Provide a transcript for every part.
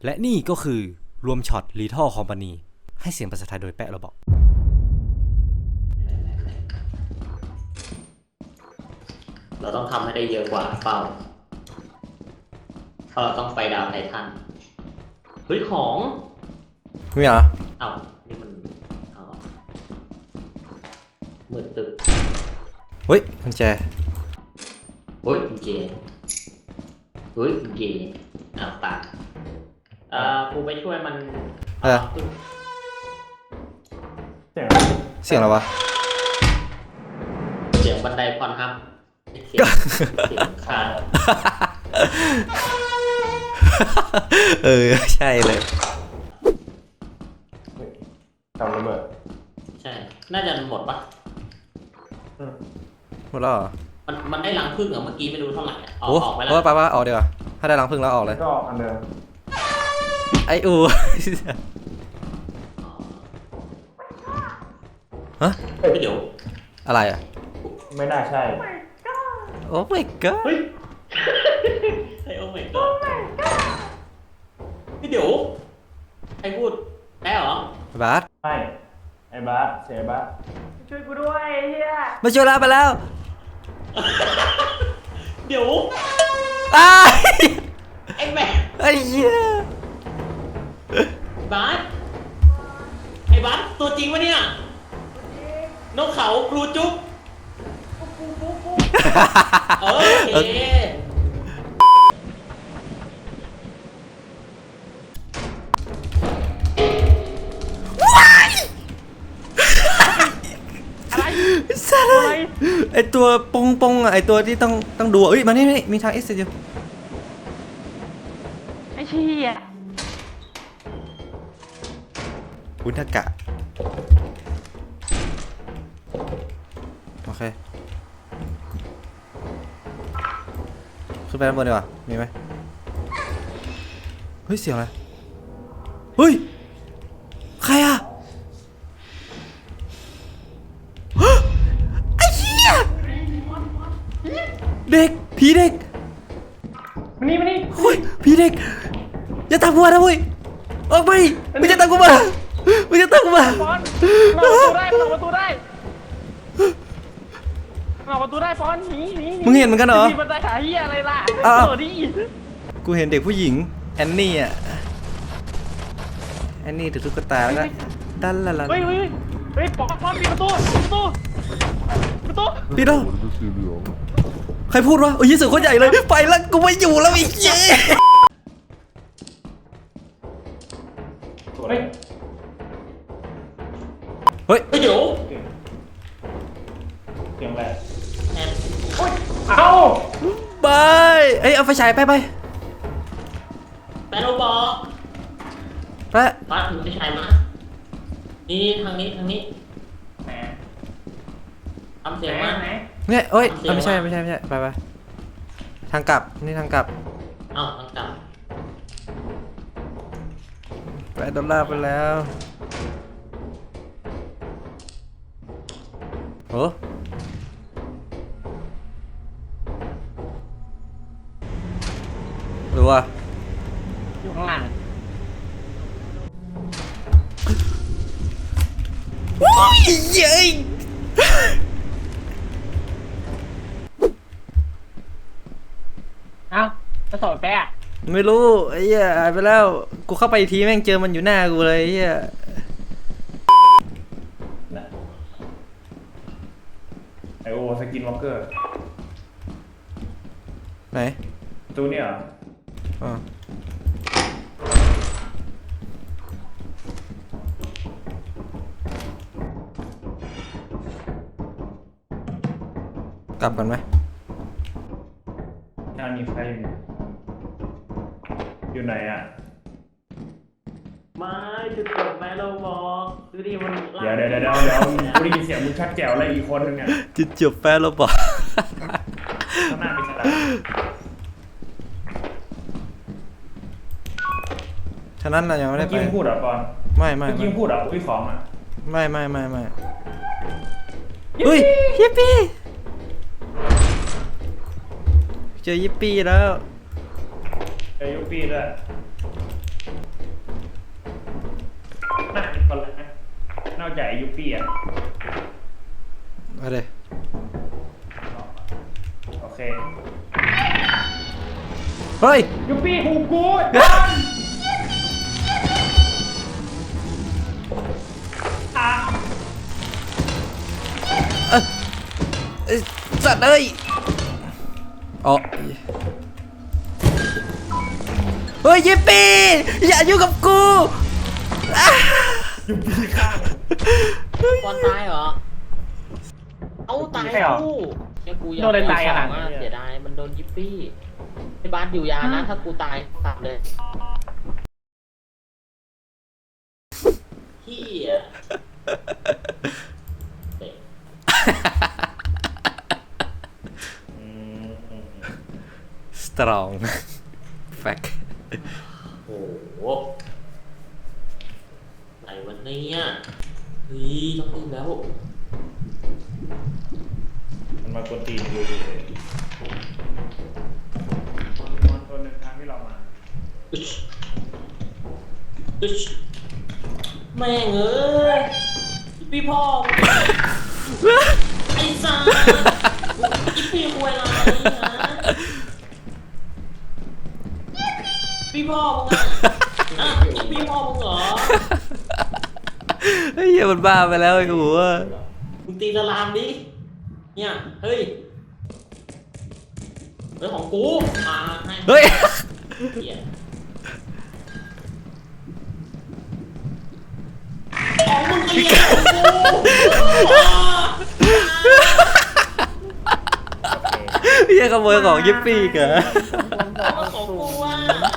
และนี่ก็คือรวมช็อต Lethal Company ให้เสียงภาษาไทยโดยแปะเราบอกเราต้องทำให้ได้เยอะกว่าเป้าเพราะเราต้องไปดาวไททันเฮ้ยของมีเหรอเอ้านี่มันเอามืดตึกเฮ้ยกุญแจเฮ้ยกุญแจเฮ้ยกุญแจอ้าวตายกูไปช่วยมันเสียงอะไรวะเสียงบันไดพรครับเสียงคานใช่เลยทำระเบิดใช่น่าจะหมดปะหมดแล้วเหรอมันได้รังผึ้งเหรอเมื่อกี้ไม่รู้เท่าไหร่ออกไปแล้วไปว่าออกดีกว่าถ้าได้รังผึ้งแล้วออกเลยก็อันเดิมไอ้ฮะเดี๋ยวอะไรอ่ะไม่น่าใช่โอ้ my god เฮ้ยไอ้โอ้ my god พี่เดี๋ยวไอ้พูดแพ้เหรอบาสไม่ไอ้บาสเสียบาสช่วยกูด้วยไอ้เหี้ยมาช่วยเราไปแล้วเดี๋ยวไอ้แม่ไอ้เหี้ยบาสไอ้บาสตัวจริงวะเนี่ยนกเขาครูจุ๊บโอเคอะไรไอตัวปงอ่ะไอตัวที่ต้องดูเอ้ยมานี่มีทางเอ็กซ์อยู่ไอ้เชี่ยอุทกะโอเคขึ้นไปด้านบนดีกว่ามีไหมเฮ้ยเสียงอะไรเฮ้ยใครอ่ะไอ้เหี้ยเด็กผีเด็กมานี่เฮ้ยผีเด็กอย่าตามกูมานะเว้ยออกไปไม่จะตามกูมาไม่จะตามกูมาปอนออกประตูได้ออกประตูได้ปอนหนีมึงเห็นเหมือนกันเหรอมีบันไดหาเหี้ยอะไรล่ะดิกูเห็นเด็กผู้หญิงแอนนี่อ่ะแอนนี่ถือตุ๊กตาแล้วก็ดันละเฮ้ยปอนปิดประตูปิดแล้วใครพูดวะโอ้ยยิ่งสุดคนใหญ่เลยไปแล้วกูไม่อยู่แล้วอีกเย้เฮ้ยเดี๋ยวเสียงอะไรเอ้าไปเอาไฟฉายไปแปะโรบอกแปะป้าถือไฟฉายมานี่ทางนี้แหมทำเสียงมาเนี่ยเอ้ยไม่ใช่ไปทางกลับนี่ทางกลับทางกลับไปดอลลาร์ไปแล้วโอ้หรือว่าอยู่ข้างหลังโอ้ยเย้ยเอ้าจะสอนแปะไม่รู้ไอ้เหี้ยหายไปแล้วกูเข้าไปทีแม่งเจอมันอยู่หน้ากูเลยไอ้เหี้ยไอโอสกินวอล์กเกอร์ไหนตัวนี้เหรอกลับกันไหมมีใครอยู่ไหนอ่ะไม่จุดจบแม่เราบอกดูดิมันเดี๋ยวกูได้ยินเสียงมึงชัดแจ๋วเลยอีกคนนึงเนี่ยจุดจบแฟนเราบอกข้างหน้ามีอะไรฉะนั้นเรายังไม่ได้ไปเมื่อกี้พูดเหรอปอนไม่เมื่อกี้พูดเหรออุ้ยของอ่ะไม่เฮ้ยยิปปี้เจอยิปปี้แล้วเจอยิปปี้ด้วยจากไอ้ยุปปี้อ่ะมาเลยโอเคเฮ้ยยุปปี้หูกูดันอ่ะเอ้ยสัตว์เอ้ยอ๋อเฮ้ยยิปปี้อย่ายุ่งกับกูอ่ะบอลตายเหรอ เอ้าตายคู่เนี่ยกูอยากโดนอะไรตายอ่ะเสียดายมันโดนยิปปี้ไอ้บาสอยู่ยานะถ้ากูตายตัดเลยเฮียเตะ strong fact โอ้โหไหนวันนี้อ่ะเฮ้ยต้องพึ่งแล้วมันมากวนตีนกูอยู่เลยมันตัวหนึ่งทางที่เรามาอึชแม่งเอ้ยพี่พ่อไอ้สัสอีพี่ควยอะไรฮะพี่พ่อมึงอ่ะอีพี่พ่อมึงเหรอเฮ้ยมันบ้าไปแล้วไอ้หัวมึงตีสลามดิเนี่ยเฮ้ยเรื่องของกูมาให้เฮ้ยเหี้ยของมึงก็เลี้ยงของกูเฮียขโมยของยิปปี้เหรอของกูอ่ะ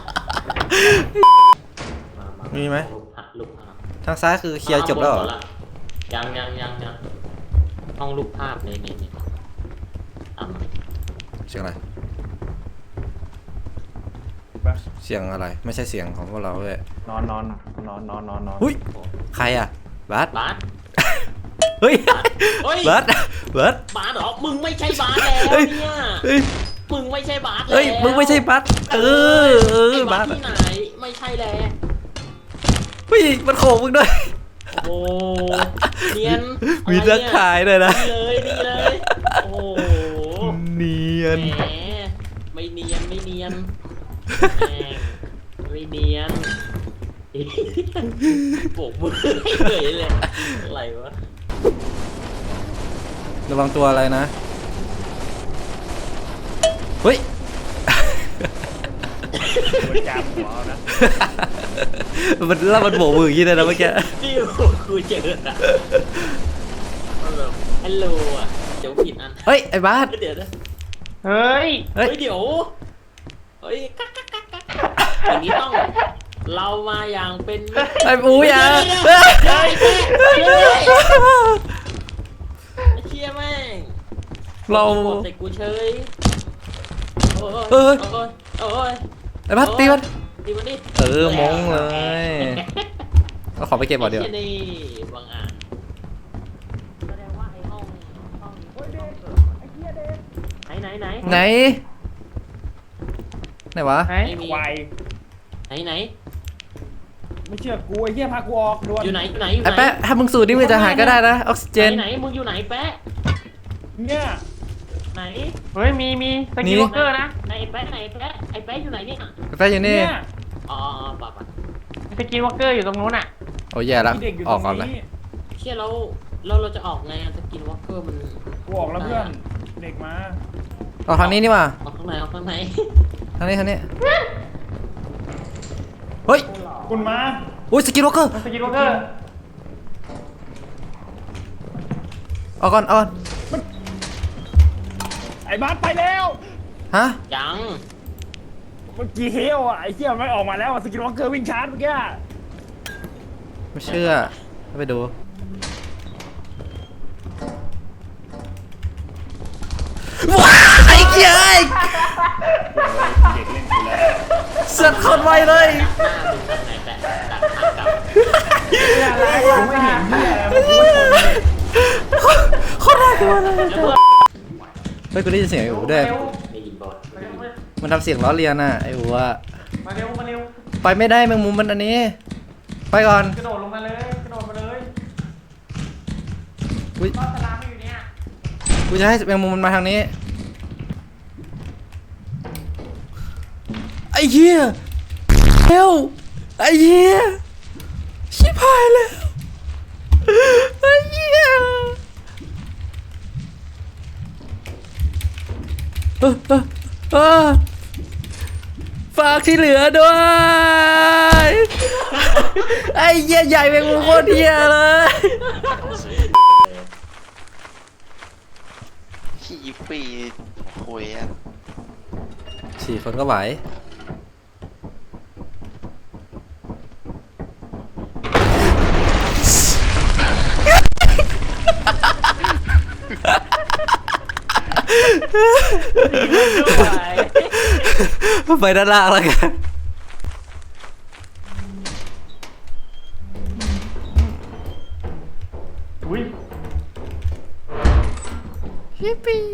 มีไหมลูกภาพทางซ้ายคือเคลียร์จบแล้วเหรอยังห้องรูปภาพนี่ตามมาเสียงอะไรปะเสียงอะไร ไม่ใช่เสียงของพวกเราเว้ยนอนหุ้ย ใครอ่ะบาสบาสเฮ้ยเฮ้ยบาสบาสบาสเหรอ มึงไม่ใช่บาสแล้วเฮ้ยเนี่ยเฮ้ยมึงไม่ใช่บาสแล้วเฮ้ย มึงไม่ใช่บาสเออไอ้บาบาสสที่ไหน ไม่ใช่แล้วเฮ้ย มันโขกมึงด้วยโอ้เนียนมีอะไรนักเนี่ยขายด้วยนะดีเลย โอ้โหเนียนแหมไม่เนียนแหมไม่เนียนโบกมือเลยอะไรวะระวังตัวอะไรนะ เฮ้ยมันจับหัวเอานะมันแล้วมันโบกมืออย่างนี้เลยนะเมื่อกี้ที่กูเจออะฮัลโหลอ่ะเดี๋ยวผิดอันเฮ้ย ไอ้บาสเดี๋ยวนะเฮ้ยเฮ้ยเดี๋ยวเฮ้ยกักอย่างนี้ต้องเรามาอย่างเป็นมิตรไอ้ปูอย่าเฮ้ยเชี่ยแม่งเราใส่กูเฉยโอ้ยไอ้บาสตีมันตีมันดิมงเลยเราขอไปเก็บก่อนเดี๋ยวนี่บางอ่ะแสดงว่าไอ้ห้องไหนไหน ไหนวะไหนไม่มีควายไหนไม่เชื่อกูไอ้เหี้ยพากูออกด่วนอยู่ไหนไอ้แป๊ะถ้ามึงสูดนี่มึงจะหายก็ได้นะ ออกซิเจนไหนมึงอยู่ไหนแป๊ะเนี่ยไหนเฮ้ย มีสนี่กิลวอล์กเกอร์นะไอ้แป๊ะไอ้แป๊ะอยู่ไหนเนี่ยไอ้แป๊ะอยู่นี่เนี่ยอ๋อป่ะสกิลวอล์กเกอร์อยู่ตรงนู้นอ่ะโอ้ยแย่แล้วมีเด็กอยู่อตอกรก่อนงเลยนี้เชี่ยเราจะออกไงสกินวอล์กเกอร์มันกูออกแล้วเพื่อนเด็กมาออกทางนี้นี่มาออกข้างในทางนี้ เฮ้ยคุณมาอุ้ยสกินวอล์กเกอร์สกิลวอล์กเกอร์เอาก่อนไอ้บาสไปแล้วฮะยังเมื่อกี้เฮลอ่ะไอ้เหี้ยมันออกมาแล้วสกินวอล์กเกอร์วิ่งชาร์จเมื่อกี้ไม่เชื่อไปดู ว้าไอ้เหี้ยเด็กเล่นกูแล้วเสือกคนไวเลยหน้ามึงทำไงแป๊ะดักทางกลับกูไม่เห็นเหี้ยอะไรมันกูไม่ชนเลยคนน่ากลัวเลยแล้วเพื่อนเฮ้ยกูได้ยินเสียงไอ้อูด้วยได้ยินบอลมันทำเสียงล้อเลียนน่ะไอ้อูอะมาเร็วไปไม่ได้แมงมุมมันอันนี้ ไปก่อนกระโดดลงมาเลย กระโดดมาเลยอุ๊ยก็สลามอยู่เนี่ยกูจะให้แมงมุมมันมาทางนี้ไอ้เหี้ยเร็วไอ้เหี้ยชิบหายแล้วไอ้เหี้ยเออฝากที่เหลือด้วยไอ้เหี้ยใหญ่แมงมุมโคตรเหี้ยเลยขี้ปีคุยอ่ะ 4 คนก็ไหวไปด้านล่างแล้วกันอุ้ยฮิปปี้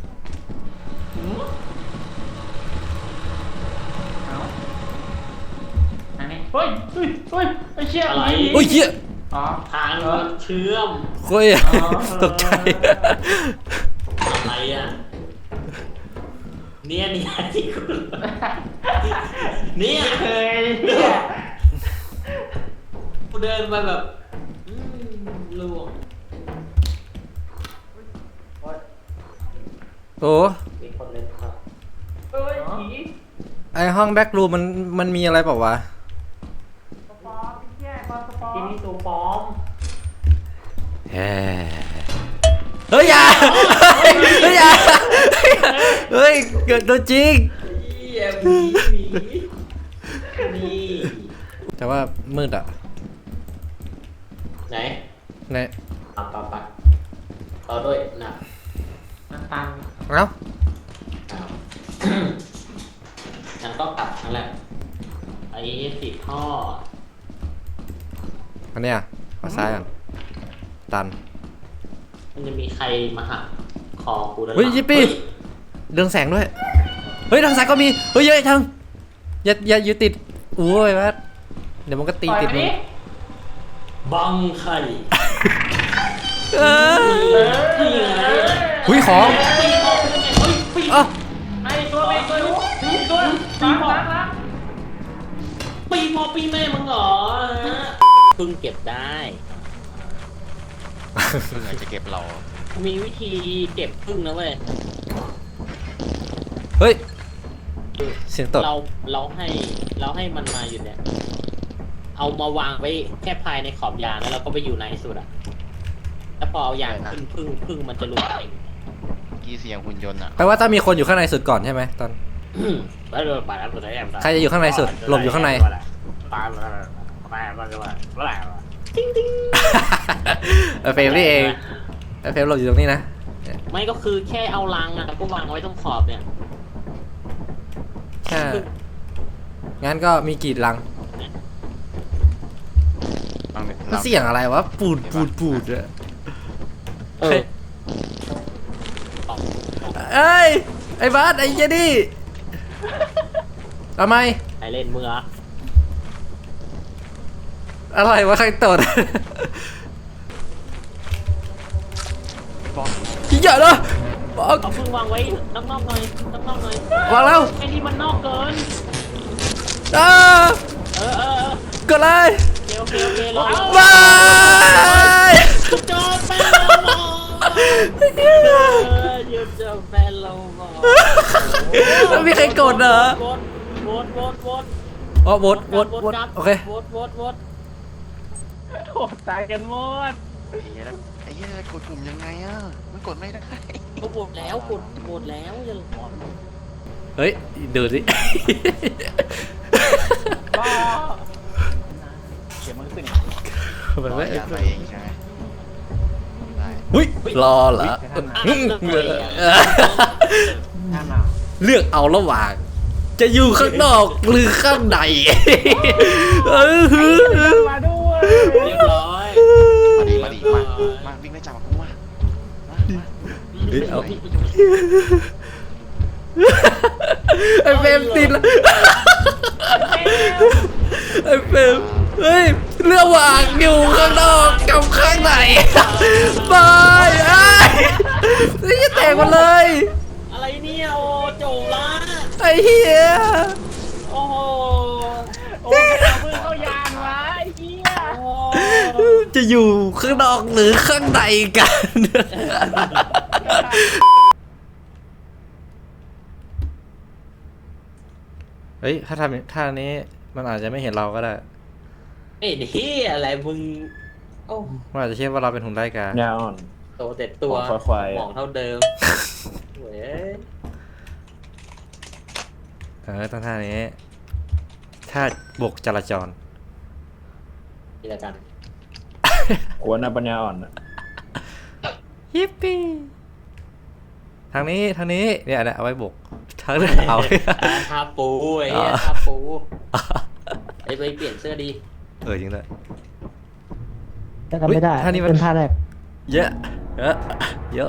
อันนี้เฮ้ยไอ้เชี่ยอะไรโอ้ยเหี้ยอ๋อทางมันเชื่อมโคตรตกใจอะไรอ่ะเนี่ยที่คุณเนี่ยเคยกูเดินไปแบบล่วงโอ้มีคนเล่นครับเอ้ยผีไอห้องแบ็กรูมมันมีอะไรเปล่าวะสปอร์ตแย่มาสปอร์ที่ตนี่ตัวปลอมเฮ้ยอย่าเฮ้ยอย่าเฮ้ยเกิดตัวจริงนี่แต่ว่ามืดอ่ะไหนในปับต่อด้วยนะน้ำตาลเอ้างั้นก็กลับนั่นแหละไอ้สิท่ออันเนี้ยมาซ้ายก่อนตันมันจะมีใครมาหักคอกูด้านหลังเฮ้ยยิปปี้เรืองแสงด้วยเฮ้ยทางซ้ายก็มีเฮ้ยเยอะทางอย่าอยู่ติดโอ้ยแม่เดี๋ยวมันก็ตีปล่อยติดไปมึดิงบังไข่เออนี่ไงหุ้ยของปีพอเป็นไงเฮ้ยปีอ่ะไอ้ตัวไอ้ตัวตัวล้างปีพอปีแม่มึงเหรอพึ่งเก็บได้เพื่อจะเก็บเรามีวิธีเก็บพึ่งนะเว้ยเฮ้ยเสียงตดเราให้มันมาอยู่เนี่ย เอามาวางไว้แค่ภายในขอบยางแล้วเราก็ไปอยู่ในสุดอะแล้วพอเอายางขึ้นพึ่งมันจะหลุดเองกี่เสียงหุ่นยนต์อ่ะแปลว่าต้องมีคนอยู่ข้างในสุดก่อนใช่ไหมตอนแล้วโดนบาดแล้วสุดท้ายใครจะอยู่ข้างในสุดหลบอยู่ข้างใน เฟรมนี่เองเฟรมหลบอยู่ตรงนี้นะไม่ก็คือแค่เอาลังอะแล้วก็วางไว้ตรงขอบเนี่ยใช่งั้นก็มีกี่ลังเอาเนี่ยมันเสียงอะไรวะปูดอะเออเอ้ยไอ้บาสไอ้เจนี่ทำไมใครเล่นมืออะไรวะใครตดบอกอย่าเลยบอกเอาพึ่งวางไว้นอกๆหน่อยวางแล้วไอ้นี่มันนอกเกินอ้าเออกดเลยโอเครอบายจอแฟนเราหมอหยุดจอแฟนเราหมอไม่มีใครกดเหรอโหวตอ๋อโหวตโอเคโหวตโอ้ตายกันหมดไอ้เหี้ยแล้วไอ้เหี้ยกดปุ่มยังไงอ่ะมันกดไม่ได้ก็โหวตแล้วอย่าหลอนเฮ้ยดูสิก็เขียนมันขึ้นมันรอไม่ยาไปเองใช่ไหมได้หุ้ยรอเหรอห้ามเอาเลือกเอาระหว่าง จะอยู่ข้างนอกหรือข้างในเออมาด้วยเรียบร้อยมาดิมาวิ่งได้จับกูมาเฮ้ยเอาไอ้เฟรมติดแล้วไอ้เฟรมเฮ้ยระหว่างอยู่ข้างนอกกับข้างในบายไอ้นี่แตกหมดเลยอะไรเนี่ยโอ้โจละไอ้เหี้ยโอ้โหโอ้ยเอามือเข้ายานวะไอ้เหี้ยโอ้จะอยู่ข้างนอกหรือข้างในกัน เฮ้ยถ้าทำท่านี้มันอาจจะไม่เห็นเราก็ได้ไอ้นี่อะไรมึงโอ้มันอาจจะเชื่อว่าเราเป็นหุ่นไล่กายาอ่อนโตแต่ตัวควายๆหมองเท่าเดิมเว้ยต้องท่านี้ท่าบกจราจรนี่ละกันกวนปัญญาอ่อนยิปปี้ทางนี้เนี่ยเอาไว้บกทางนี้เอาทาปูไอ้เหี้ยทาปูไอ้ไปเปลี่ยนเสื้อดีจริงเลยจะทำไม่ได้ท่านี้มันเป็นท่าแรกเยอะเยอะ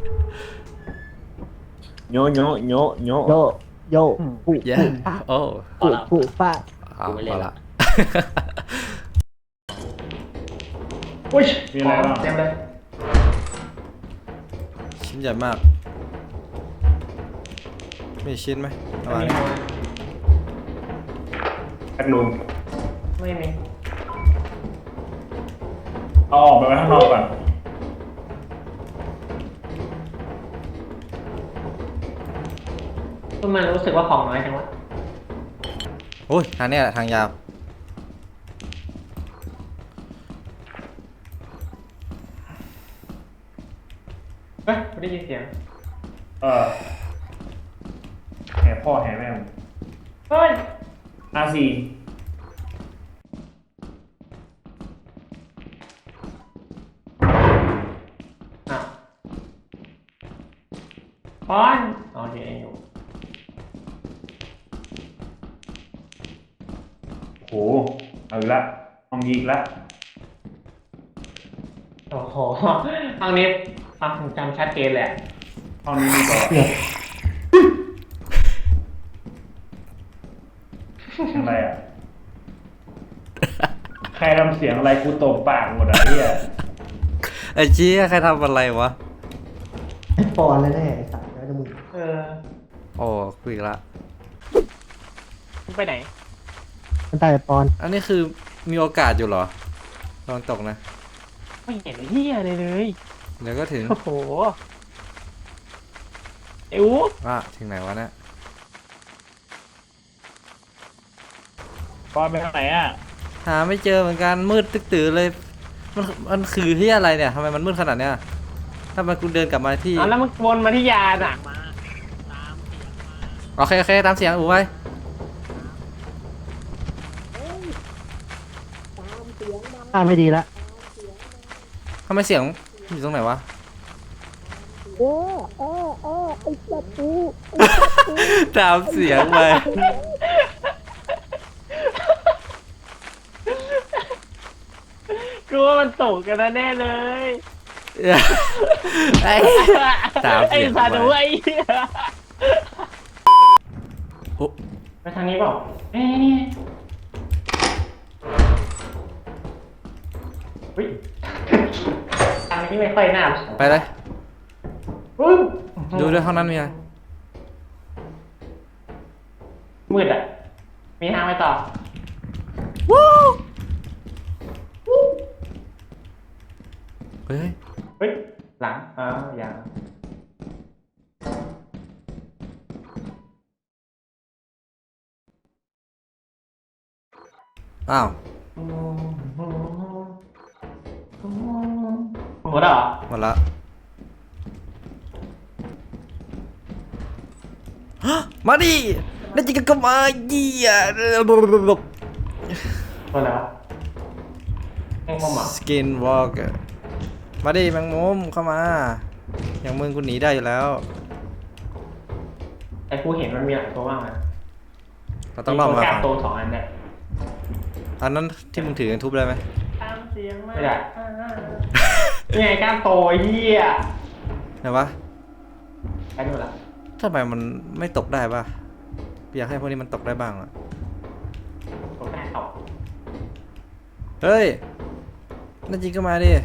โยโยโยโยโยโยปุเยอะปุปะโอ้ปุปุปะเอาละอุ้ยมีอะไรบ้างเต็มเลยชิ้นใหญ่มากมีชิ้นไหมประมาณไม่นี้มีแอดรูมไม่มีเอาออกไปไว้ข้างนอกก่อนก็มันรู้สึกว่าของน้อยจังวะโอ้ยทางเนี้ยแหละทางยาวเฮ้ยไม่ได้ยินเสียงแห่พ่อแห่แม่เฮ้ย RC อ้าวปอนโอเคอยู่โหเอาอีกละห้องนี้อีกละโอ้โหทางนี้ความทรงจำชัดเจนแหละห้องนี้มีต่ออะไรอ่ะ ใครทำเสียงอะไรกูตบปากหมดอ่ะเฮียไอ้เจี๊ยใครทำอะไรวะไอ้ปอนแน่ๆไอ้สัตว์แล้วจะมึงเออโอ้คุยอีกละมึงไปไหนมันตายไอ้ปอนอันนี้คือมีโอกาสอยู่เหรอลองตกนะไม่เห็นเหี้ยเลยเลยเดี๋ยวก็ถึงโอ้โหไอ้อู๋ถึงไหนวะเนี่ยปอนไปทางไหนอ่ะหาไม่เจอเหมือนกันมืดตึ๊กตื่อเลยมันคือที่อะไรเนี่ยทำไมมันมืดขนาดเนี้ยถ้ามันกูเดินกลับมาที่แล้วมึงวนมาที่ยานอ่ะโอเคตามเสียงอูไปท่าไม่ดีละทำไมเสียงอยู่ตรงไหนวะตามเสียงไปกูว่ามันตกกันแน่เลยไอ้ตามไอ้เสียงสัตว์ไปไอ้เหี้ยโอ้ไปทางนี้เปล่าเอ้ยนี่เฮ้ยทางนี้ไม่ค่อยน่าไปเลยอุ๊ยดูด้วยห้องนั้นมีอะไรมืดอ่ะ มีทางไปต่อเฮ้ยเฮ้ย หลังอย่างอ้าวหมดแล้วเหรอหมดละฮะมาดินั่นจิกก็มาเยี่ยหมดแล้วแม่งมุมเหรอสกินวอล์กมาดิแมงมุมเข้ามาอย่างมึงกูหนีได้อยู่แล้วแต่กูเห็นมันมีหลายตัวมากนะเราต้องรอบมากล้าฝั่งโต2 อันเนี่ยอันนั้นที่มึงถือทุบได้ไหมไม่ได้นี่ไงกล้ามโตไอ้เหี้ยไหนวะไปนู่นละทำไมมันไม่ตกได้ป่ะอยากให้พวกนี้มันตกได้บ้างอะผมได้ตกเฮ้ยนั่นจริงก็มาดิ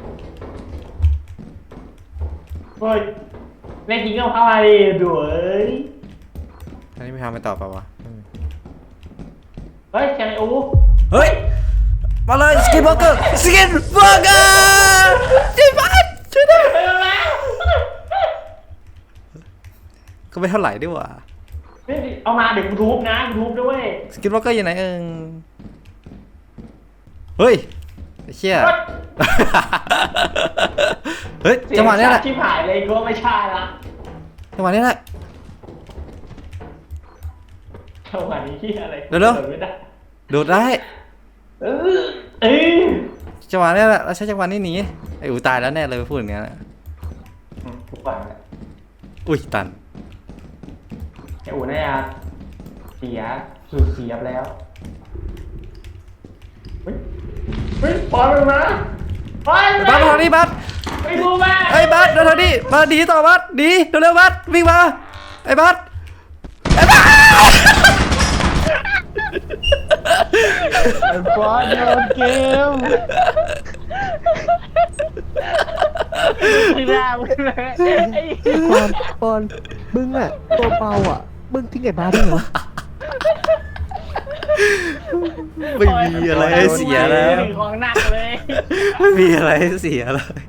เฮ้ยแน่จริงก็เข้ามาดิดูเอ้ยอันนี้ไม่ทำไปต่อเปล่าวะเฮ้ยแกไอ้อูเฮ้ยมาเลยสกินเบอร์เกอร์สกินเบอร์เกอร์จีบัสช่วยด้วยไปแล้วก็ไม่เท่าไหร่ด้วยว่ะนี่เอามาเดี๋ยวกูทุบนะกูทุบด้วยสกินเบอร์เกอร์อยู่ไหนเฮ้ยไอ้เชี่ยเฮ้ยจังหวะนี้แหละชิบหายเลยก็ไม่ใช่ละจังหวะนี้แหละจังหวะนี้ที่อะไรเร็วๆโดดไม่ได้โดดได้เออเอ้ยจังหวะนี้แหละเราใช้จังหวะนี้หนีไอ้อูตายแล้วแน่เลยพูดอย่างนี้นทุกวันแหละอุ้ยตันไอ้อูน่าจะเสียสูญเสียไปแล้วเฮ้ยเฮ้ยปอนมันมาปอนไอ้บัสมาทางนี้บัสไปดูมาไอ้บัสเดินทางนี้มาดีต่อบัสดีเร็วๆบัสวิ่งมาไอ้บัสไอ้บัสปอนโดนเกมไม่ได้เลยปอนมึงอ่ะตัวเบาอ่ะมึงทิ้งไอ้บ้าได้เหรอไม่มีอะไรให้เสียแล้วของหนักเลยไม่มีอะไรให้เสียเลย